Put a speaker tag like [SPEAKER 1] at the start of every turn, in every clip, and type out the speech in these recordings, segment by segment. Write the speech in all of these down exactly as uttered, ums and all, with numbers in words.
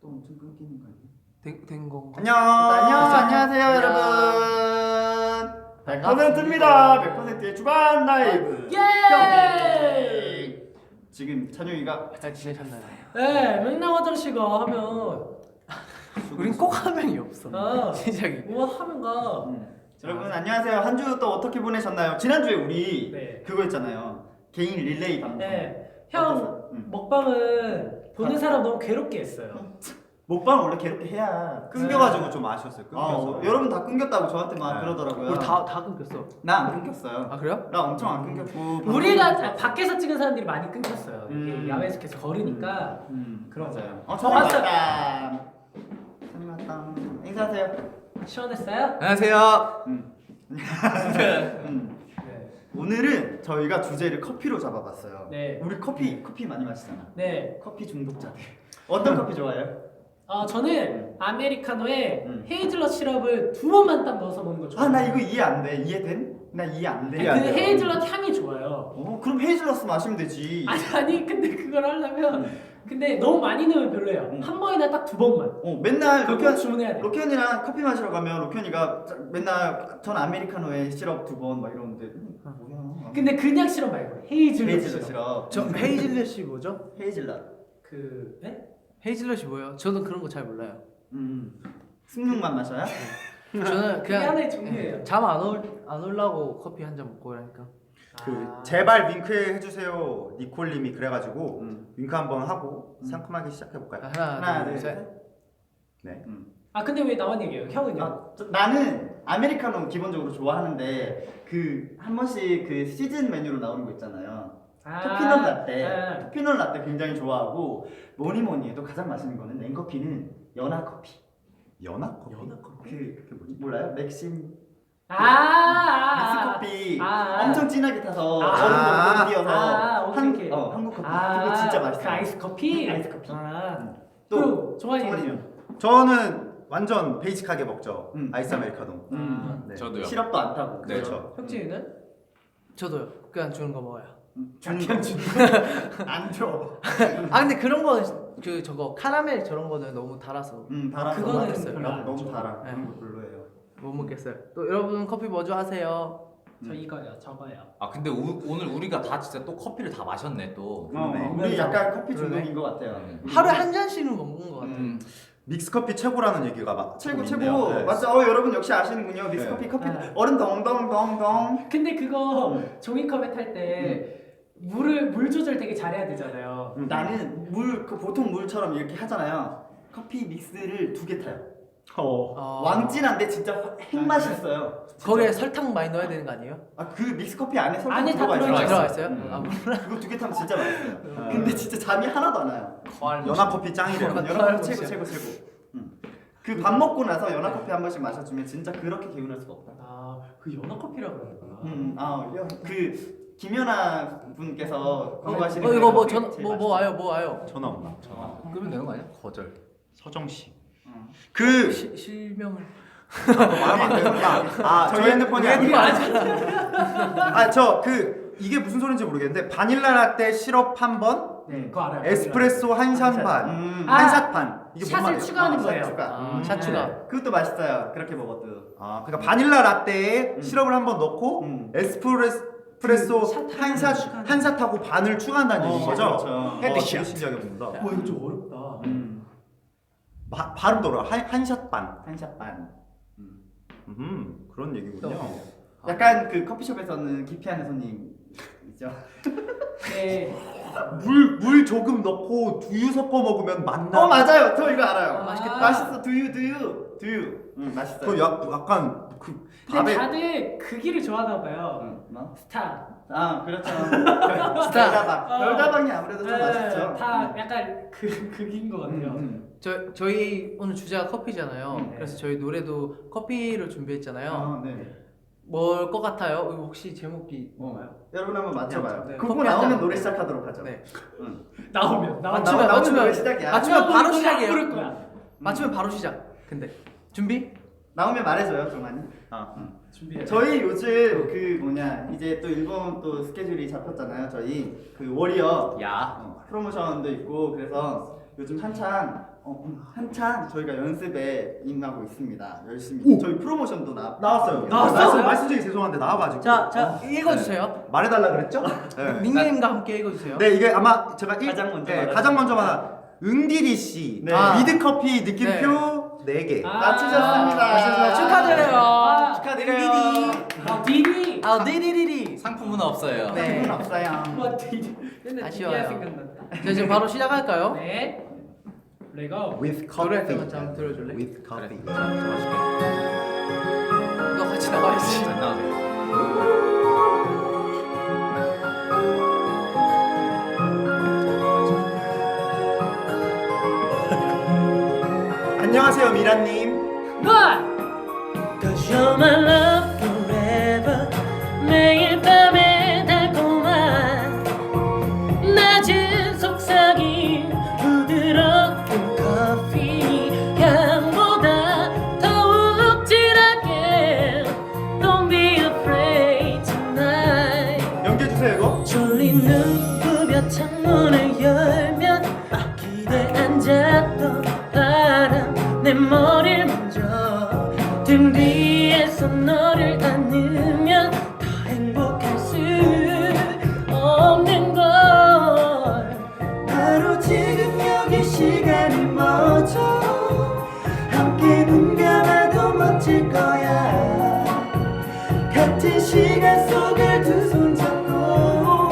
[SPEAKER 1] 또 엄청 끊기는 거 아니야?
[SPEAKER 2] 된, 된 건가?
[SPEAKER 1] 안녕. 안녕. 안녕하세요,
[SPEAKER 2] 안녕.
[SPEAKER 1] 여러분. 백
[SPEAKER 2] 반갑습니다.
[SPEAKER 1] 퍼센트입니다. 백 퍼센트의 주간 라이브.
[SPEAKER 3] 예!
[SPEAKER 1] 지금 찬용이가
[SPEAKER 2] 잘 지내셨나요?
[SPEAKER 3] 네, 맥락 화장실가 하면
[SPEAKER 2] 우린 꼭 화면이 없어.
[SPEAKER 3] 아,
[SPEAKER 2] 시작이.
[SPEAKER 3] 뭐 하면 가.
[SPEAKER 1] 음. 여러분 안녕하세요. 한 주 또 어떻게 보내셨나요? 지난주에 우리
[SPEAKER 3] 네.
[SPEAKER 1] 그거 했잖아요. 개인 릴레이 방송.
[SPEAKER 3] 네, 형
[SPEAKER 1] 어땠어? 응.
[SPEAKER 3] 먹방은 보는 사람 너무 괴롭게 했어요.
[SPEAKER 1] 먹방 원래 괴롭게 해야.
[SPEAKER 4] 끊겨가지고 좀 아쉬웠어요.
[SPEAKER 1] 아,
[SPEAKER 4] 끊겨서.
[SPEAKER 1] 어, 여러분 다 끊겼다고 저한테 막
[SPEAKER 4] 네.
[SPEAKER 1] 그러더라고요.
[SPEAKER 2] 우리 다 다 끊겼어.
[SPEAKER 1] 나 안 끊겼어요.
[SPEAKER 2] 아 그래요?
[SPEAKER 1] 나 엄청 안 끊겼고.
[SPEAKER 3] 우리가
[SPEAKER 1] 방송-
[SPEAKER 3] 다- 밖에서 찍은 사람들이 많이 끊겼어요. 이게
[SPEAKER 1] 음.
[SPEAKER 3] 야외에서 계속 걸으니까.
[SPEAKER 1] 음,
[SPEAKER 3] 그런
[SPEAKER 1] 맞아요.
[SPEAKER 3] 어,
[SPEAKER 1] 어, 처음
[SPEAKER 3] 봤어요.
[SPEAKER 1] 왔다. 처음 왔다. 인사하세요.
[SPEAKER 3] 시원했어요?
[SPEAKER 4] 안녕하세요.
[SPEAKER 1] 음. 음.
[SPEAKER 3] 네.
[SPEAKER 1] 오늘은 저희가 주제를 커피로 잡아봤어요.
[SPEAKER 3] 네.
[SPEAKER 1] 우리 커피 커피 많이 마시잖아.
[SPEAKER 3] 네.
[SPEAKER 1] 커피 중독자들. 어떤 커피 좋아해요?
[SPEAKER 3] 어, 저는 아메리카노에
[SPEAKER 1] 음.
[SPEAKER 3] 헤이즐넛 시럽을 두 번만 딱 넣어서 먹는 거 좋아해요.
[SPEAKER 1] 아 나 이거 이해 안 돼. 이해된? 나 이해 안 돼.
[SPEAKER 3] 아니,
[SPEAKER 4] 이해 안
[SPEAKER 3] 그
[SPEAKER 4] 돼요.
[SPEAKER 3] 헤이즐넛 향이 좋아요.
[SPEAKER 1] 어 그럼 헤이즐넛 마시면 되지.
[SPEAKER 3] 아니 아니 근데 그걸 하려면 근데 너무 많이 넣으면 별로예요.
[SPEAKER 1] 음.
[SPEAKER 3] 한 번이나 딱 두 번만.
[SPEAKER 1] 어 맨날
[SPEAKER 3] 그거
[SPEAKER 1] 로켄
[SPEAKER 3] 주문해야 돼.
[SPEAKER 1] 로켄이랑 커피 마시러 가면 로켄이가 맨날 전 아메리카노에 시럽 두 번 막 이러는데 음, 뭐야?
[SPEAKER 3] 근데 그냥 시럽 말고 헤이즐넛
[SPEAKER 1] 헤이즐넛
[SPEAKER 3] 시럽.
[SPEAKER 1] 시럽.
[SPEAKER 2] 저 헤이즐넛이 뭐죠?
[SPEAKER 1] 헤이즐넛.
[SPEAKER 3] 그 네?
[SPEAKER 2] 헤이즐넛이 뭐예요? 저는 그런 거 잘 몰라요.
[SPEAKER 1] 음. 숭늉만 마셔요?
[SPEAKER 2] 저는
[SPEAKER 3] 그게
[SPEAKER 2] 그냥
[SPEAKER 3] 하나의 종류예요.
[SPEAKER 2] 잠안올안 올라고 커피 한 잔 먹고 이러니까.
[SPEAKER 4] 그
[SPEAKER 3] 아.
[SPEAKER 4] 제발 윙크 해주세요 니콜님이 그래가지고
[SPEAKER 1] 음.
[SPEAKER 4] 윙크 한번 하고
[SPEAKER 1] 음.
[SPEAKER 4] 상큼하게 시작해 볼까요?
[SPEAKER 2] 하나,
[SPEAKER 1] 하나
[SPEAKER 2] 둘,
[SPEAKER 1] 둘
[SPEAKER 2] 셋.
[SPEAKER 1] 셋.
[SPEAKER 4] 네.
[SPEAKER 1] 음.
[SPEAKER 3] 아 근데 왜 나만 얘기해요? 형은요?
[SPEAKER 1] 아, 저- 나는 아메리카노 기본적으로 좋아하는데 그 한 번씩 그 시즌 메뉴로 나오는 거 있잖아요.
[SPEAKER 3] 아,
[SPEAKER 1] 토피넛 라떼,
[SPEAKER 3] 아.
[SPEAKER 1] 토피넛 라떼 굉장히 좋아하고 뭐니 뭐니 해도 가장 맛있는 거는 냉커피는 연하 커피.
[SPEAKER 4] 연하 커피?
[SPEAKER 1] 그, 그 뭐지? 몰라요? 맥심
[SPEAKER 3] 아, 아,
[SPEAKER 1] 믹스
[SPEAKER 3] 아,
[SPEAKER 1] 커피
[SPEAKER 3] 아, 아.
[SPEAKER 1] 엄청 진하게 타서
[SPEAKER 3] 아.
[SPEAKER 1] 얼음 넣고 띄어서
[SPEAKER 3] 아, 오케이,
[SPEAKER 1] 한,
[SPEAKER 3] 오케이.
[SPEAKER 1] 어, 한국 커피
[SPEAKER 3] 아,
[SPEAKER 1] 그거 진짜 맛있어.
[SPEAKER 3] 그 아이스 커피?
[SPEAKER 1] 아이스 커피.
[SPEAKER 3] 아.
[SPEAKER 1] 또
[SPEAKER 3] 또 정환이
[SPEAKER 1] 정환이는
[SPEAKER 4] 저는 완전 베이직하게 먹죠.
[SPEAKER 1] 음.
[SPEAKER 4] 아이스 아메리카노.
[SPEAKER 1] 음.
[SPEAKER 4] 네.
[SPEAKER 5] 저도요.
[SPEAKER 1] 시럽도 안 타고
[SPEAKER 5] 네.
[SPEAKER 4] 그렇죠.
[SPEAKER 3] 혁진이는?
[SPEAKER 2] 저도요. 그냥 주는 거 먹어요.
[SPEAKER 1] 음, 주는 거. 안 줘.
[SPEAKER 2] 아 근데 그런 거는 그 저거 카라멜 저런 거는 너무 달아서
[SPEAKER 1] 음, 달아서
[SPEAKER 3] 그거는
[SPEAKER 1] 맛있어요.
[SPEAKER 3] 별로 안
[SPEAKER 1] 너무
[SPEAKER 3] 좋아.
[SPEAKER 1] 달아.
[SPEAKER 2] 네.
[SPEAKER 1] 그런 거 별로예요.
[SPEAKER 2] 못 먹겠어요. 또 여러분 커피 뭐 좋아하세요?
[SPEAKER 3] 저 이거요, 저거요.
[SPEAKER 5] 아 근데 우, 오늘 우리가 다 진짜 또 커피를 다 마셨네 또.
[SPEAKER 1] 어,
[SPEAKER 4] 그러네.
[SPEAKER 1] 우리 약간 커피
[SPEAKER 2] 그러네.
[SPEAKER 1] 중독인 것 같아요.
[SPEAKER 5] 음.
[SPEAKER 2] 하루에 한 잔씩은 먹는 거 같아요.
[SPEAKER 5] 음.
[SPEAKER 4] 믹스 커피 최고라는 얘기가 막
[SPEAKER 1] 최고
[SPEAKER 4] 조금
[SPEAKER 1] 최고.
[SPEAKER 4] 있네요. 네.
[SPEAKER 1] 맞죠? 어, 여러분 역시 아시는군요. 믹스
[SPEAKER 4] 네.
[SPEAKER 1] 커피 커피
[SPEAKER 3] 네.
[SPEAKER 1] 얼음 덩덩덩덩.
[SPEAKER 3] 근데 그거
[SPEAKER 1] 음.
[SPEAKER 3] 종이컵에 탈 때 물을 물 조절 되게 잘해야 되잖아요.
[SPEAKER 1] 음, 나는 물 그 보통 물처럼 이렇게 하잖아요. 커피 믹스를 두 개 타요.
[SPEAKER 4] 어.
[SPEAKER 2] 어,
[SPEAKER 1] 왕진한데 진짜 핵 맛있어요.
[SPEAKER 2] 거기에 설탕 많이 넣어야 되는 거 아니에요?
[SPEAKER 1] 아그 믹스 커피 안에 설탕
[SPEAKER 3] 안에 다
[SPEAKER 1] 들어가 있어요.
[SPEAKER 3] 들어가
[SPEAKER 2] 들어가 있어요?
[SPEAKER 1] 음.
[SPEAKER 2] 아, 뭐.
[SPEAKER 1] 그거 두 개 타면 진짜 맛있어요.
[SPEAKER 4] 아.
[SPEAKER 1] 근데 진짜 잠이 하나도 안 와요.
[SPEAKER 4] 연하 커피 짱이래요.
[SPEAKER 2] 어,
[SPEAKER 1] 연하
[SPEAKER 2] 아,
[SPEAKER 1] 커피 최고 최고 최고. 그 밥 먹고 나서 연하 커피 한 번씩 마셔주면 진짜 그렇게 개운할 수가 없다.
[SPEAKER 3] 아, 그 연어 커피라고 그러는구나.
[SPEAKER 1] 음, 아그 김연아 분께서 광고하시는
[SPEAKER 2] 어
[SPEAKER 1] 그
[SPEAKER 2] 이거 뭐
[SPEAKER 1] 커피
[SPEAKER 2] 전
[SPEAKER 1] 제일
[SPEAKER 2] 뭐 뭐
[SPEAKER 1] 맛있어요.
[SPEAKER 2] 와요 뭐 와요?
[SPEAKER 4] 전화 없나?
[SPEAKER 5] 전화 끄면 되는 거 아니야? 거절.
[SPEAKER 4] 서정 씨.
[SPEAKER 1] 어.
[SPEAKER 4] 그
[SPEAKER 2] 시, 실명을
[SPEAKER 4] 말하면 안 되는 아,
[SPEAKER 1] 저희
[SPEAKER 4] 저희
[SPEAKER 1] 핸드폰이
[SPEAKER 4] 핸드폰이
[SPEAKER 1] 아니고
[SPEAKER 4] 아저 그 이게 무슨 소린지 모르겠는데 바닐라 라떼 시럽 한 번,
[SPEAKER 3] 네, 그거 알아요.
[SPEAKER 4] 에스프레소 한 샷 반,
[SPEAKER 1] 음.
[SPEAKER 3] 아,
[SPEAKER 4] 한 샷 반. 이게 뭔
[SPEAKER 3] 샷을
[SPEAKER 4] 말이에요?
[SPEAKER 3] 추가하는
[SPEAKER 1] 아,
[SPEAKER 3] 거예요.
[SPEAKER 1] 샷 추가.
[SPEAKER 2] 아,
[SPEAKER 4] 음.
[SPEAKER 2] 샷 추가.
[SPEAKER 1] 네. 그것도 맛있어요. 그렇게 먹어도.
[SPEAKER 4] 아, 그러니까 바닐라 라떼에
[SPEAKER 1] 음.
[SPEAKER 4] 시럽을 한 번 넣고
[SPEAKER 1] 음.
[SPEAKER 4] 에스프레소
[SPEAKER 3] 그 샷
[SPEAKER 4] 한 샷
[SPEAKER 3] 추가하는
[SPEAKER 4] 한 샷하고 반을 추가한다는
[SPEAKER 1] 어,
[SPEAKER 4] 얘기인 거죠?
[SPEAKER 1] 그렇죠.
[SPEAKER 4] 어,
[SPEAKER 2] 헤드샷.
[SPEAKER 4] 되게 신기하게 먹는다.
[SPEAKER 3] 와 이거 좀 어렵다.
[SPEAKER 1] 음.
[SPEAKER 4] 바, 발음 돌아. 한샷 반.
[SPEAKER 1] 한샷 반.
[SPEAKER 4] 음, 그런 얘기군요.
[SPEAKER 1] 약간 그 커피숍에서는 기피하는 손님이죠.
[SPEAKER 3] 네.
[SPEAKER 4] 물, 물 조금 넣고 두유 섞어 먹으면 맛나.
[SPEAKER 1] 어 맞아요. 저 이거 알아요.
[SPEAKER 3] 아, 맛있겠다.
[SPEAKER 1] 맛있어. 두유 두유 두유. 응 맛있어요.
[SPEAKER 4] 그 약, 약간 그
[SPEAKER 3] 근데
[SPEAKER 4] 밥에
[SPEAKER 3] 다들 그 길을 좋아하나 봐요.
[SPEAKER 1] 응, 뭐?
[SPEAKER 3] 스타.
[SPEAKER 1] 아 그렇죠. 별다방.
[SPEAKER 3] 어.
[SPEAKER 1] 별다방이 아무래도 좀
[SPEAKER 3] 네,
[SPEAKER 1] 맛있죠.
[SPEAKER 3] 다 약간 그 극인 것 같아요.
[SPEAKER 1] 음, 음.
[SPEAKER 2] 저 저희 오늘 주제가 커피잖아요.
[SPEAKER 1] 음,
[SPEAKER 3] 네.
[SPEAKER 2] 그래서 저희 노래도 커피를 준비했잖아요.
[SPEAKER 1] 아, 네.
[SPEAKER 2] 뭘 것 같아요? 이거 혹시 제목이
[SPEAKER 1] 어.
[SPEAKER 2] 뭔가요?
[SPEAKER 1] 여러분 한번 맞춰봐요.
[SPEAKER 2] 네,
[SPEAKER 1] 그거
[SPEAKER 2] 커피
[SPEAKER 1] 나오면
[SPEAKER 2] 한 잔.
[SPEAKER 1] 노래 시작하도록 하죠.
[SPEAKER 2] 네.
[SPEAKER 1] 응.
[SPEAKER 3] 나오면 나오면
[SPEAKER 2] 맞추면,
[SPEAKER 1] 나오면
[SPEAKER 2] 맞추면.
[SPEAKER 1] 노래 시작이야.
[SPEAKER 2] 맞추면 바로
[SPEAKER 3] 이거는
[SPEAKER 2] 시작이에요.
[SPEAKER 3] 안 부를 거야.
[SPEAKER 2] 맞추면 바로 시작. 근데 준비?
[SPEAKER 1] 나오면 말해줘요, 정만이.
[SPEAKER 4] 아,
[SPEAKER 3] 준비해.
[SPEAKER 1] 저희 요즘 그 뭐냐 이제 또 일본 또 스케줄이 잡혔잖아요. 저희 그 워리어
[SPEAKER 5] 야.
[SPEAKER 1] 어, 프로모션도 있고 그래서 요즘 한창 어, 한창 저희가 연습에 임하고 있습니다. 열심히.
[SPEAKER 4] 오!
[SPEAKER 1] 저희 프로모션도 나
[SPEAKER 4] 나왔어요.
[SPEAKER 3] 나왔어요?
[SPEAKER 4] 말씀, 말씀드리기 죄송한데 나와가지고.
[SPEAKER 2] 자, 자 읽어주세요.
[SPEAKER 4] 말해달라 그랬죠? 네.
[SPEAKER 2] 닉네임과 함께 읽어주세요.
[SPEAKER 4] 네, 이게 아마 제가 일,
[SPEAKER 1] 가장 먼저
[SPEAKER 4] 네,
[SPEAKER 1] 말하는
[SPEAKER 4] 가장 먼저 말한 응디리 씨
[SPEAKER 1] 네.
[SPEAKER 2] 아.
[SPEAKER 4] 위드커피 느낌표 네 개.
[SPEAKER 3] 아.
[SPEAKER 1] 맞추셨습니다.
[SPEAKER 2] 맞췄습니다. 축하드려요.
[SPEAKER 3] 아,
[SPEAKER 1] 축하드려요.
[SPEAKER 3] 아 디디.
[SPEAKER 2] 아, 디디디디.
[SPEAKER 5] 상품은 없어요.
[SPEAKER 2] 네.
[SPEAKER 1] 기분 없어요.
[SPEAKER 3] 와 디디. 맨날
[SPEAKER 2] 아쉬워요.
[SPEAKER 3] 디디야 생각난다.
[SPEAKER 2] 자, 지금 바로 시작할까요?
[SPEAKER 3] 네. 레고.
[SPEAKER 4] With
[SPEAKER 2] 노래
[SPEAKER 4] coffee.
[SPEAKER 2] 한번 한번 들어줄래?
[SPEAKER 4] With
[SPEAKER 5] 그래.
[SPEAKER 4] coffee.
[SPEAKER 5] 자, 저 마실게.
[SPEAKER 2] 너 같이 나와야지.
[SPEAKER 5] 안 나와도 돼.
[SPEAKER 4] 안녕하세요 미라님.
[SPEAKER 3] 뭐?
[SPEAKER 6] Cause you're my love forever 매일 밤에 달콤한 낮은 속삭임 부드러운 커피 향보다 더욱 진하게 Don't be afraid tonight
[SPEAKER 4] 연기해주세요 이거.
[SPEAKER 6] 졸린 눈 부벼 창문을 열면 기대 앉았던 바람 내 머리를 만져 등 뒤에서 너를 안으면 더 행복할 수 없는 걸 바로 지금 여기 시간이 멈춰 함께 눈 감아도 멋질 거야 같은 시간 속을 두 손 잡고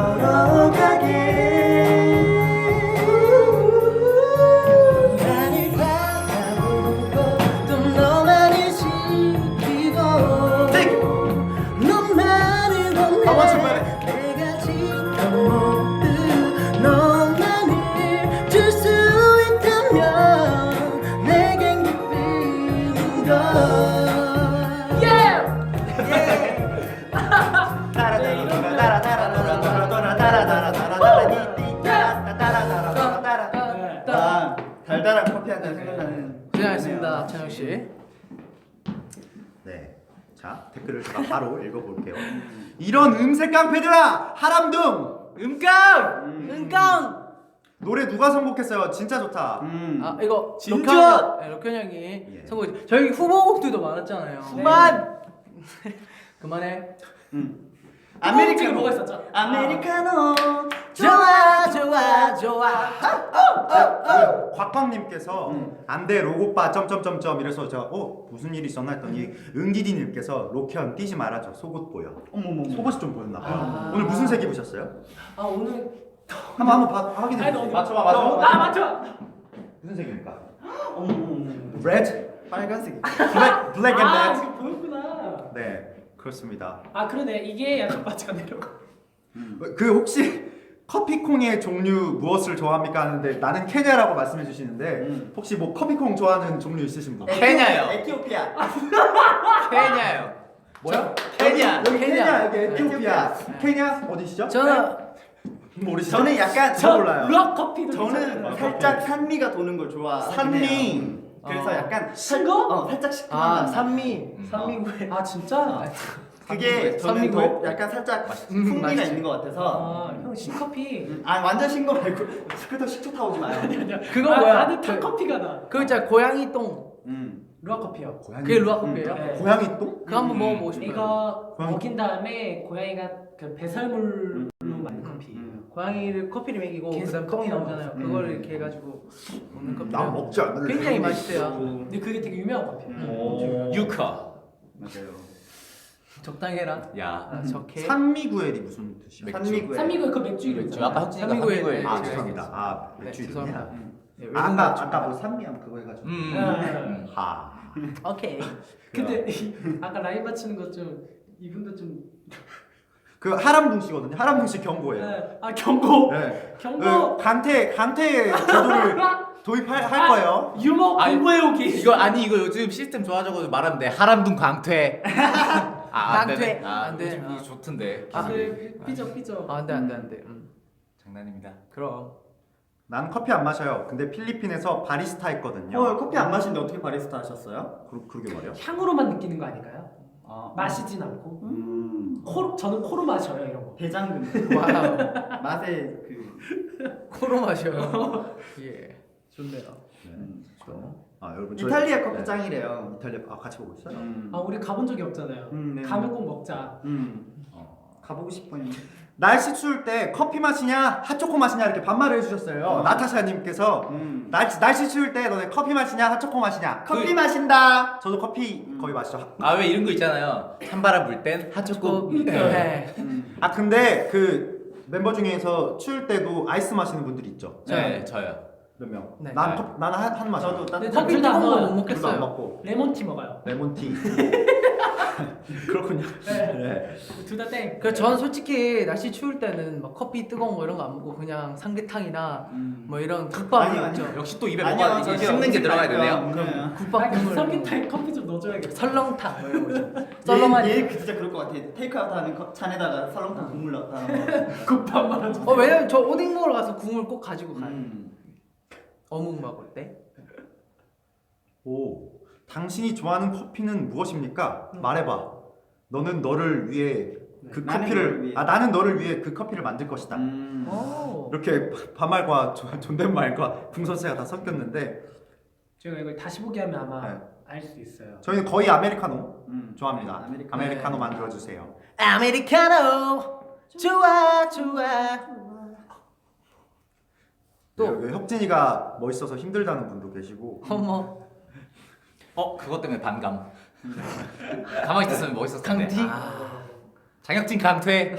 [SPEAKER 6] 걸어가게 나를 바라보고 또 너만을 지키고 너만을 원해 내가 지금 모두 너만을 줄 수 있다면 내겐 기쁘는 걸
[SPEAKER 1] 아, 달달한 커피 한 잔 생각나는.
[SPEAKER 2] 고생하셨습니다, 찬영 씨.
[SPEAKER 4] 네. 자 댓글을 제가 바로 읽어볼게요. 이런 음색 깡패들아 하람둥
[SPEAKER 5] 음깡!
[SPEAKER 1] 음.
[SPEAKER 2] 은깡.
[SPEAKER 4] 노래 누가 선곡했어요? 진짜 좋다.
[SPEAKER 1] 음.
[SPEAKER 2] 아, 이거
[SPEAKER 5] 진짜?
[SPEAKER 2] 록현, 네, 록현 형이
[SPEAKER 4] 예.
[SPEAKER 2] 선곡. 저희 후보곡들도 많았잖아요.
[SPEAKER 3] 그만.
[SPEAKER 2] 그만해.
[SPEAKER 1] 음.
[SPEAKER 3] 아메리카노
[SPEAKER 1] 아메리카노
[SPEAKER 3] 뭐가 있었죠?
[SPEAKER 1] 아메리카노.
[SPEAKER 2] 좋아, 좋아, 좋아.
[SPEAKER 4] 그 곽광님께서
[SPEAKER 1] 음.
[SPEAKER 4] 안돼 로고빠 점점점점 이래서 제가 어 무슨 일이 있었나 했더니 응디디님께서 록현 뛰지 말아줘 속옷 보여.
[SPEAKER 1] 어머머.
[SPEAKER 4] 속옷이 좀 보였나 봐요.
[SPEAKER 3] 아.
[SPEAKER 4] 오늘 무슨 색 입으셨어요?
[SPEAKER 3] 아 오늘.
[SPEAKER 4] 한번 한번 봐, 확인해
[SPEAKER 3] 아니,
[SPEAKER 4] 주세요.
[SPEAKER 3] 너-
[SPEAKER 4] 맞춰봐 맞춰봐.
[SPEAKER 3] 너- 아 맞춰.
[SPEAKER 4] 무슨 색입니까?
[SPEAKER 1] 어머머.
[SPEAKER 4] Red,
[SPEAKER 1] 빨간색.
[SPEAKER 4] black, black and
[SPEAKER 3] 아
[SPEAKER 4] red.
[SPEAKER 3] 이거 보였구나.
[SPEAKER 4] 네 그렇습니다.
[SPEAKER 3] 아 그러네 이게 약간 바지가 내려가.
[SPEAKER 4] 그 혹시 커피콩의 종류 무엇을 좋아합니까 하는데 나는 케냐라고 말씀해 주시는데
[SPEAKER 1] 음.
[SPEAKER 4] 혹시 뭐 커피콩 좋아하는 종류 있으신 분?
[SPEAKER 5] 케냐요.
[SPEAKER 1] 에티오피아.
[SPEAKER 5] 케냐요.
[SPEAKER 4] 뭐야?
[SPEAKER 5] 케냐.
[SPEAKER 4] 여기 케냐,
[SPEAKER 2] 케냐.
[SPEAKER 4] 여기 에티오피아.
[SPEAKER 1] 네.
[SPEAKER 4] 케냐 어디시죠?
[SPEAKER 2] 저는
[SPEAKER 4] 모르시죠?
[SPEAKER 1] 저는 약간
[SPEAKER 4] 저 몰라요.
[SPEAKER 3] 락 커피도
[SPEAKER 1] 저는
[SPEAKER 3] 괜찮아요.
[SPEAKER 1] 살짝 산미가 도는 걸 좋아하긴
[SPEAKER 4] 산미.
[SPEAKER 1] 해요. 그래서
[SPEAKER 2] 어.
[SPEAKER 1] 약간
[SPEAKER 3] 신
[SPEAKER 1] 살-
[SPEAKER 3] 거?
[SPEAKER 1] 어 살짝 시큼한
[SPEAKER 2] 아,
[SPEAKER 1] 맛.
[SPEAKER 2] 산미,
[SPEAKER 5] 음.
[SPEAKER 2] 산미구에.
[SPEAKER 3] 아 진짜?
[SPEAKER 1] 그게 저는
[SPEAKER 2] 산미구에?
[SPEAKER 1] 더 약간 살짝
[SPEAKER 2] 음,
[SPEAKER 1] 풍미가
[SPEAKER 2] 맛있지.
[SPEAKER 1] 있는 것 같아서.
[SPEAKER 3] 아형 신커피.
[SPEAKER 1] 음, 아 완전 신거 말고 그래도 식초 타오지 마요.
[SPEAKER 2] 그거
[SPEAKER 3] 아,
[SPEAKER 2] 뭐야?
[SPEAKER 3] 나는
[SPEAKER 2] 그-
[SPEAKER 3] 탕커피가 나.
[SPEAKER 2] 그거 있잖아, 고양이 똥.
[SPEAKER 1] 음.
[SPEAKER 3] 루아 커피요.
[SPEAKER 4] 고양이.
[SPEAKER 2] 그게 루아 커피예요?
[SPEAKER 3] 네.
[SPEAKER 4] 고양이 똥?
[SPEAKER 2] 그거 한번
[SPEAKER 1] 음.
[SPEAKER 2] 먹어보고 싶어요.
[SPEAKER 3] 이거
[SPEAKER 4] 고양이-
[SPEAKER 3] 먹인 다음에 고양이가 그 배설물로
[SPEAKER 1] 음.
[SPEAKER 3] 만든 커피.
[SPEAKER 1] 음.
[SPEAKER 2] 고양이를 커피를 먹이고
[SPEAKER 3] 계속
[SPEAKER 2] 그다음 똥이
[SPEAKER 3] 커피가
[SPEAKER 2] 나오잖아요.
[SPEAKER 1] 음.
[SPEAKER 2] 그거를 이렇게 해가지고 먹는 커피.
[SPEAKER 4] 나 먹지 않을래.
[SPEAKER 2] 굉장히 맛있대요.
[SPEAKER 3] 근데 그게 되게 유명한 커피예요.
[SPEAKER 1] 음.
[SPEAKER 4] 오.
[SPEAKER 5] 유카.
[SPEAKER 1] 맞아요.
[SPEAKER 2] 적당히 해라.
[SPEAKER 5] 야.
[SPEAKER 2] 아, 적해.
[SPEAKER 4] 산미구엘이 무슨 뜻이야?
[SPEAKER 5] 맥주.
[SPEAKER 1] 산미구에.
[SPEAKER 3] 산미구에 그 맥주 이름
[SPEAKER 5] 맥주.
[SPEAKER 3] 있잖아.
[SPEAKER 5] 아까 혁진이가
[SPEAKER 2] 산미구에
[SPEAKER 5] 산미구에.
[SPEAKER 2] 네,
[SPEAKER 4] 아
[SPEAKER 2] 제가
[SPEAKER 4] 죄송합니다. 아
[SPEAKER 2] 네,
[SPEAKER 4] 맥주
[SPEAKER 2] 죄송합니다.
[SPEAKER 4] 이름이야.
[SPEAKER 1] 음.
[SPEAKER 2] 네,
[SPEAKER 4] 아,
[SPEAKER 2] 외국
[SPEAKER 4] 아까
[SPEAKER 2] 맥주.
[SPEAKER 4] 아까 뭐 산미함 그거 해가지고.
[SPEAKER 5] 음.
[SPEAKER 3] 음.
[SPEAKER 4] 하.
[SPEAKER 2] 오케이.
[SPEAKER 3] 근데 이- 아까 라인 맞추는 거 좀 이분도 좀.
[SPEAKER 4] 그 하람둥 씨거든요. 하람둥 씨 경고예요.
[SPEAKER 3] 네. 아 경고.
[SPEAKER 4] 네.
[SPEAKER 3] 경고.
[SPEAKER 4] 그 강태 강태 제도를 도입할 할 거예요.
[SPEAKER 3] 유머
[SPEAKER 5] 아니,
[SPEAKER 3] 공부해 오기.
[SPEAKER 5] 이거 아니 이거 요즘 시스템 좋아져가지고 말하면 돼. 하람둥 강퇴. 아, 안
[SPEAKER 2] 강퇴.
[SPEAKER 5] 되네. 아,
[SPEAKER 2] 안 돼.
[SPEAKER 5] 요즘
[SPEAKER 2] 아.
[SPEAKER 5] 이거 좋던데.
[SPEAKER 2] 아,
[SPEAKER 3] 그 삐져 삐져.
[SPEAKER 2] 아, 안돼 안돼 안돼. 음.
[SPEAKER 5] 장난입니다.
[SPEAKER 2] 그럼.
[SPEAKER 4] 난 커피 안 마셔요. 근데 필리핀에서 바리스타 했거든요.
[SPEAKER 1] 어 커피 안 마시는데 어떻게 바리스타 하셨어요?
[SPEAKER 4] 그, 그러게 말이야.
[SPEAKER 3] 향으로만 느끼는 거 아닐까요?
[SPEAKER 1] 아
[SPEAKER 3] 마시진 않고.
[SPEAKER 1] 음.
[SPEAKER 3] 코 저는 코로 마셔요 이런 거.
[SPEAKER 1] 대장금.
[SPEAKER 2] 와우.
[SPEAKER 1] 맛의 그
[SPEAKER 2] 코로 마셔요. 예. 좋네요.
[SPEAKER 1] 음.
[SPEAKER 4] 아 여러분 저희-
[SPEAKER 1] 이탈리아 커피
[SPEAKER 4] 네.
[SPEAKER 1] 짱이래요.
[SPEAKER 4] 이탈리아 아 같이 보고 있어요?
[SPEAKER 1] 음.
[SPEAKER 3] 아 우리 가본 적이 없잖아요.
[SPEAKER 1] 음, 네.
[SPEAKER 3] 가면 꼭 먹자.
[SPEAKER 1] 음.
[SPEAKER 5] 어.
[SPEAKER 1] 가보고 싶어요.
[SPEAKER 4] 날씨 추울 때 커피 마시냐 핫초코 마시냐 이렇게 반말을 해주셨어요.
[SPEAKER 1] 어.
[SPEAKER 4] 나타샤님께서
[SPEAKER 1] 음.
[SPEAKER 4] 날씨 날씨 추울 때 너네 커피 마시냐 핫초코 마시냐?
[SPEAKER 1] 커피 마신다.
[SPEAKER 4] 저도 커피
[SPEAKER 1] 음.
[SPEAKER 4] 거의 마시죠.
[SPEAKER 5] 아 왜 이런 거 있잖아요. 찬바람 불 땐 핫초코.
[SPEAKER 2] 네.
[SPEAKER 1] 음.
[SPEAKER 4] 아 근데 그 멤버 중에서 추울 때도 아이스 마시는 분들이 있죠.
[SPEAKER 5] 네, 저요.
[SPEAKER 4] 몇 명?
[SPEAKER 2] 네.
[SPEAKER 4] 난
[SPEAKER 5] 네.
[SPEAKER 4] 컵, 나는 한, 한 마셔.
[SPEAKER 1] 저도 따뜻한
[SPEAKER 3] 네,
[SPEAKER 2] 커피
[SPEAKER 3] 둘다
[SPEAKER 2] 뜨거운 거
[SPEAKER 3] 먹어요.
[SPEAKER 2] 못
[SPEAKER 4] 둘도 안
[SPEAKER 2] 먹겠어요.
[SPEAKER 4] 먹고
[SPEAKER 3] 레몬티 먹어요.
[SPEAKER 4] 레몬티. 그렇군요. 네.
[SPEAKER 3] 둘 다 땡.
[SPEAKER 2] 그래서 저는 솔직히 날씨 추울 때는 막 커피 뜨거운 거 이런 거 안 먹고 그냥 삼계탕이나
[SPEAKER 1] 음.
[SPEAKER 2] 뭐 이런 국밥
[SPEAKER 1] 아니요,
[SPEAKER 2] 있죠.
[SPEAKER 1] 아니요.
[SPEAKER 5] 역시 또 입에
[SPEAKER 1] 아니요,
[SPEAKER 5] 뭐가 이게
[SPEAKER 1] 저기요.
[SPEAKER 5] 씹는 게 들어가야
[SPEAKER 1] 음식
[SPEAKER 5] 되네요.
[SPEAKER 1] 말고요. 네.
[SPEAKER 2] 국밥
[SPEAKER 3] 아, 그
[SPEAKER 2] 국물
[SPEAKER 3] 썰기타에 커피 좀 넣어줘야겠다.
[SPEAKER 2] 설렁탕 뭐 이런 거 있죠.
[SPEAKER 1] 썰렁한
[SPEAKER 2] 썰렁한
[SPEAKER 1] 얘 진짜 그럴 것 같아. 테이크아웃 하는 컵- 찬에다가 설렁탕 국물 넣었다.
[SPEAKER 3] 국밥 말아줘.
[SPEAKER 2] 어 왜냐면 저 오뎅 먹으러 가서 국물 꼭 가지고 가요.
[SPEAKER 1] 음.
[SPEAKER 2] 어묵 먹을 때.
[SPEAKER 4] 오, 당신이 좋아하는 커피는 무엇입니까?
[SPEAKER 2] 음.
[SPEAKER 4] 말해봐. 너는 너를 위해 그
[SPEAKER 1] 나는
[SPEAKER 4] 커피를
[SPEAKER 1] 너를 위해.
[SPEAKER 4] 아 나는 너를 위해 그 커피를 만들 것이다.
[SPEAKER 1] 음.
[SPEAKER 2] 오.
[SPEAKER 4] 이렇게 반말과 존- 존댓말과 궁서체가 다 섞였는데
[SPEAKER 3] 제가 이걸 다시 보기 하면 아마
[SPEAKER 4] 네.
[SPEAKER 3] 알 수 있어요.
[SPEAKER 4] 저희는 거의 아메리카노
[SPEAKER 1] 음.
[SPEAKER 4] 좋아합니다.
[SPEAKER 1] 아메리카노.
[SPEAKER 4] 아메리카노 만들어 주세요.
[SPEAKER 2] 아메리카노 좋아 좋아. 또.
[SPEAKER 4] 또 혁진이가 멋있어서 힘들다는 분도 계시고
[SPEAKER 2] 어머.
[SPEAKER 5] 어 그것 때문에 반감. 가만히 있었으면 멋있었을 텐데.
[SPEAKER 2] 강티?
[SPEAKER 5] 아, 장혁진 강퇴.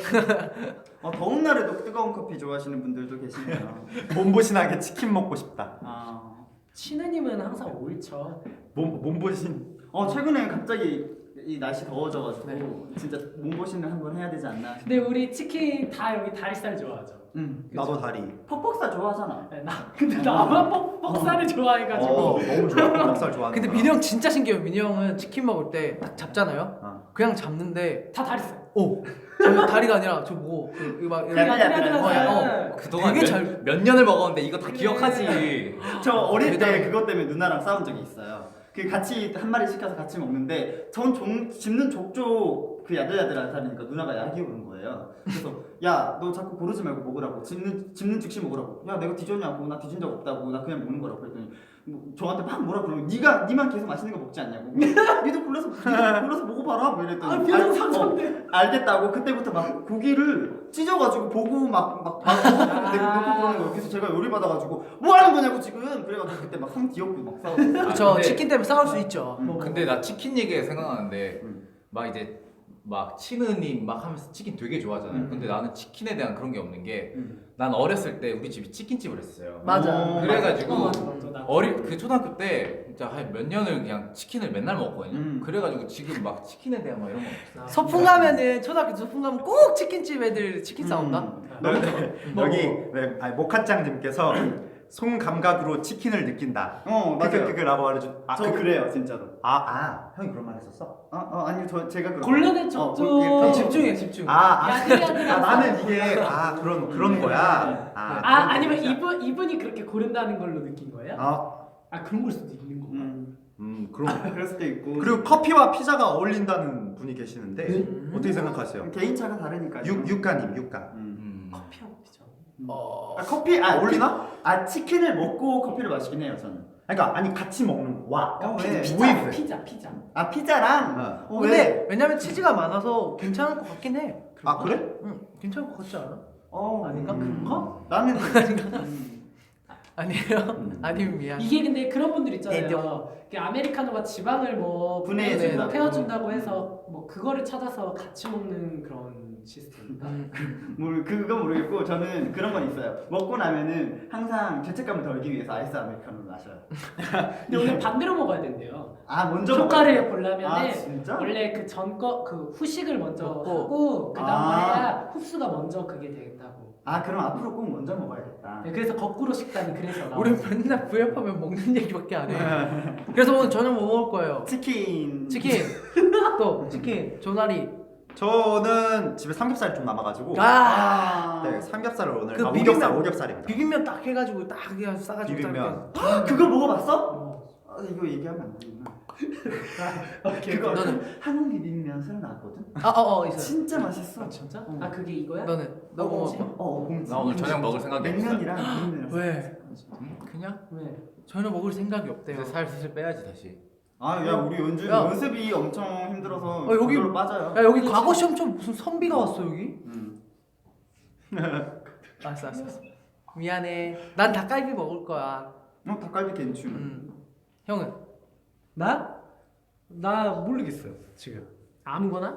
[SPEAKER 1] 어, 더운 날에도 뜨거운 커피 좋아하시는 분들도 계시네요.
[SPEAKER 4] 몸보신하게 치킨 먹고 싶다.
[SPEAKER 1] 아.
[SPEAKER 3] 신우님은 항상 옳죠.
[SPEAKER 4] 몸 몸보신
[SPEAKER 1] 어 최근에 갑자기 이 날씨 더워져가지고
[SPEAKER 2] 네.
[SPEAKER 1] 진짜 몸보신을 한번 해야 되지 않나.
[SPEAKER 3] 근데 우리 치킨 다 여기 다리살 좋아하죠.
[SPEAKER 1] 음.
[SPEAKER 4] 나도 다리.
[SPEAKER 1] 퍽퍽살 좋아하잖아.
[SPEAKER 3] 네, 나 근데 나만 뻑 뻑살을 좋아해가지고.
[SPEAKER 4] 어, 너무 좋아. 닭살 좋아하는.
[SPEAKER 2] 근데 민우 형 진짜 신기해요. 민우 형은 치킨 먹을 때 딱 잡잖아요.
[SPEAKER 4] 어.
[SPEAKER 2] 그냥 잡는데
[SPEAKER 3] 다 다리살.
[SPEAKER 2] 오. 저 다리가 아니라 저 뭐 그, 막
[SPEAKER 1] 그래,
[SPEAKER 2] 이렇게
[SPEAKER 1] 그래, 그래.
[SPEAKER 2] 어, 어.
[SPEAKER 5] 그동안
[SPEAKER 2] 되게
[SPEAKER 5] 몇,
[SPEAKER 2] 잘-
[SPEAKER 5] 몇 년을 먹었는데 이거 다
[SPEAKER 3] 그래.
[SPEAKER 5] 기억하지.
[SPEAKER 1] 저 어릴 때
[SPEAKER 2] 대단해.
[SPEAKER 1] 그것 때문에 누나랑 싸운 적이 있어요. 그 같이 한 마리 시켜서 같이 먹는데 전 종, 집는 족족 그 야들야들하다니까 누나가 약이 오는 거예요. 그래서 야 너 자꾸 고르지 말고 먹으라고 집는 집는 즉시 먹으라고. 야 내가 뒤졌냐고. 나 뒤진 적 없다고. 나 그냥 먹는 거라고 그랬더니 뭐 저한테 막 뭐라 그러고 네가 니만 계속 맛있는 거 먹지 않냐고. 니도 골라서 니도 골라서 먹어봐라. 뭐 이랬더니
[SPEAKER 3] 아 표정
[SPEAKER 1] 알-
[SPEAKER 3] 상처인데.
[SPEAKER 1] 어, 알겠다고 그때부터 막 고기를 찢어가지고 보고 막막 막 내가 놓고 그러는 거예요. 그래서 제가 열이 받아가지고 뭐 하는 거냐고 지금. 그래가지고 그때 막 상 뒤엎고 막 싸웠어요.
[SPEAKER 2] 저
[SPEAKER 5] 근데-
[SPEAKER 2] 치킨 때문에 싸울 수 있죠.
[SPEAKER 1] 음.
[SPEAKER 5] 근데 나 치킨 얘기가 생각나는데
[SPEAKER 1] 음.
[SPEAKER 5] 막 이제 막 치느님 막 하면서 치킨 되게 좋아하잖아요.
[SPEAKER 1] 음.
[SPEAKER 5] 근데 나는 치킨에 대한 그런 게 없는 게 난
[SPEAKER 1] 음.
[SPEAKER 5] 어렸을 때 우리 집이 치킨집을 했어요.
[SPEAKER 2] 맞아.
[SPEAKER 1] 어,
[SPEAKER 5] 그래가지고
[SPEAKER 3] 어, 맞아, 맞아, 나.
[SPEAKER 5] 어리 그 초등학교 때 진짜 한 몇 년을 그냥 치킨을 맨날 먹었거든요.
[SPEAKER 1] 음.
[SPEAKER 5] 그래가지고 지금 막 치킨에 대한 막 이런 거 없어.
[SPEAKER 2] 소풍 가면은 초등학교 소풍 가면 꼭 치킨집 애들 치킨 싸운다.
[SPEAKER 1] 음.
[SPEAKER 3] 너무
[SPEAKER 4] 여기 네, 아니, 모카짱님께서 송 감각으로 치킨을 느낀다.
[SPEAKER 1] 어 맞아요.
[SPEAKER 4] 그그라고 말해줘. 아,
[SPEAKER 1] 저
[SPEAKER 4] 그-
[SPEAKER 1] 그래요 진짜로.
[SPEAKER 4] 아, 아, 형이 그런 말 했었어?
[SPEAKER 1] 어, 어 아니 저 제가 그런.
[SPEAKER 3] 골라낸
[SPEAKER 1] 어,
[SPEAKER 3] 척
[SPEAKER 1] 그- 이게
[SPEAKER 3] 좀.
[SPEAKER 1] 좀
[SPEAKER 2] 집중해 집중.
[SPEAKER 4] 아, 아,
[SPEAKER 3] 야들야들한
[SPEAKER 4] 아 나는 이게 아 그런 그런 거야. 아,
[SPEAKER 3] 아
[SPEAKER 4] 그런
[SPEAKER 3] 아니면
[SPEAKER 4] 거구나.
[SPEAKER 3] 이분 이분이 그렇게 고른다는 걸로 느낀 거예요?
[SPEAKER 4] 아,
[SPEAKER 3] 아 그런 걸 수도 있는 거.
[SPEAKER 1] 음
[SPEAKER 4] 음 그런.
[SPEAKER 1] 그럴 수도 있고.
[SPEAKER 4] 그리고 커피와 피자가 어울린다는 분이 계시는데
[SPEAKER 2] 음.
[SPEAKER 4] 어떻게 생각하세요?
[SPEAKER 1] 개인차가 다르니까.
[SPEAKER 4] 육 육가님 육가.
[SPEAKER 1] 음.
[SPEAKER 5] 음.
[SPEAKER 3] 커피하고 피자.
[SPEAKER 2] 어.
[SPEAKER 1] 아 커피 아
[SPEAKER 4] 어울리나?
[SPEAKER 1] 아 치킨을 먹고 커피를 마시긴 해요 저는.
[SPEAKER 4] 그러니까 아니 같이 먹는 와.
[SPEAKER 1] 어,
[SPEAKER 3] 피,
[SPEAKER 1] 왜?
[SPEAKER 3] 피자,
[SPEAKER 4] with.
[SPEAKER 3] 피자, 피자.
[SPEAKER 1] 아 피자랑.
[SPEAKER 4] 어.
[SPEAKER 1] 어,
[SPEAKER 2] 근데
[SPEAKER 1] 왜?
[SPEAKER 2] 왜냐면 치즈가 많아서 괜찮을 것 같긴 해.
[SPEAKER 4] 아 그래?
[SPEAKER 2] 응, 괜찮을 것 같지 않아?
[SPEAKER 1] 어
[SPEAKER 2] 아닌가?
[SPEAKER 1] 음.
[SPEAKER 3] 그런가?
[SPEAKER 1] 나는. 음.
[SPEAKER 2] 아니에요.
[SPEAKER 4] 음.
[SPEAKER 2] 아니면 미안.
[SPEAKER 3] 이게 근데 그런 분들 있잖아요.
[SPEAKER 2] 애정.
[SPEAKER 3] 이게 아메리카노가 지방을 뭐
[SPEAKER 1] 분해해준다고.
[SPEAKER 3] 태워준다고 해서 뭐 그거를 찾아서 같이 먹는 그런 시스템인가?
[SPEAKER 2] 음.
[SPEAKER 1] 뭘 그건 모르겠고 저는 그런 건 있어요. 먹고 나면은 항상 죄책감을 덜기 위해서 아이스 아메리카노를 마셔요.
[SPEAKER 3] 근데 오늘 반대로 먹어야 된대요.
[SPEAKER 1] 아 먼저
[SPEAKER 3] 효과를
[SPEAKER 1] 먹어요?
[SPEAKER 3] 보려면은
[SPEAKER 1] 아 진짜?
[SPEAKER 3] 원래 그 전거 그 후식을 먼저
[SPEAKER 2] 먹고.
[SPEAKER 3] 하고 그다음
[SPEAKER 1] 아.
[SPEAKER 3] 해야 흡수가 먼저 그게 되겠다고.
[SPEAKER 1] 아 그럼 앞으로 꼭 먼저 먹어야겠다.
[SPEAKER 3] 네, 그래서 거꾸로 식단이 그래서 나와요.
[SPEAKER 2] 우리 맨날 부협하면 먹는 얘기밖에 안 해. 그래서 오늘 저녁 뭐 먹을 거예요?
[SPEAKER 1] 치킨.
[SPEAKER 2] 치킨. 또 치킨. 조나리.
[SPEAKER 4] 저는 집에 삼겹살이 좀 남아가지고
[SPEAKER 2] 아.
[SPEAKER 4] 네 삼겹살을 오늘
[SPEAKER 2] 그
[SPEAKER 4] 아,
[SPEAKER 2] 비빔면.
[SPEAKER 4] 오겹살 오겹살입니다.
[SPEAKER 2] 비빔면 딱 해가지고 딱 그냥 싸가지고
[SPEAKER 4] 비빔면.
[SPEAKER 1] 그거 먹어봤어?
[SPEAKER 3] 어.
[SPEAKER 1] 아, 이거 얘기하면 안 되구나.
[SPEAKER 3] 오케이.
[SPEAKER 1] 그거
[SPEAKER 2] 너는?
[SPEAKER 1] 한국 비빔면 새로 나왔거든.
[SPEAKER 2] 아어어 있어.
[SPEAKER 1] 진짜 맛있어.
[SPEAKER 3] 아 진짜?
[SPEAKER 1] 어.
[SPEAKER 3] 아 그게 이거야?
[SPEAKER 2] 너는 너 뭐
[SPEAKER 3] 뭐지?
[SPEAKER 2] 먹어?
[SPEAKER 1] 어, 봉지.
[SPEAKER 5] 나 오늘 저녁 먹을 생각이 없어.
[SPEAKER 1] 냉면이랑 비빔면이랑.
[SPEAKER 2] 왜?
[SPEAKER 5] 음, 그냥
[SPEAKER 3] 왜?
[SPEAKER 2] 전혀 먹을 생각이 없대요.
[SPEAKER 5] 이제 살 슬슬 빼야지 다시.
[SPEAKER 1] 아, 야, 우리 연주
[SPEAKER 2] 야.
[SPEAKER 1] 연습이 엄청 힘들어서
[SPEAKER 2] 아, 여기-
[SPEAKER 1] 저절로 빠져요.
[SPEAKER 2] 야 여기 과거 시험처럼 무슨 선비가 왔어 여기?
[SPEAKER 1] 음.
[SPEAKER 2] 알았어 알았어. 알았어. 미안해. 난 닭갈비 먹을 거야.
[SPEAKER 1] 어, 닭갈비 괜춘.
[SPEAKER 2] 음. 형은?
[SPEAKER 3] 나? 나 모르겠어요 지금. 아무거나?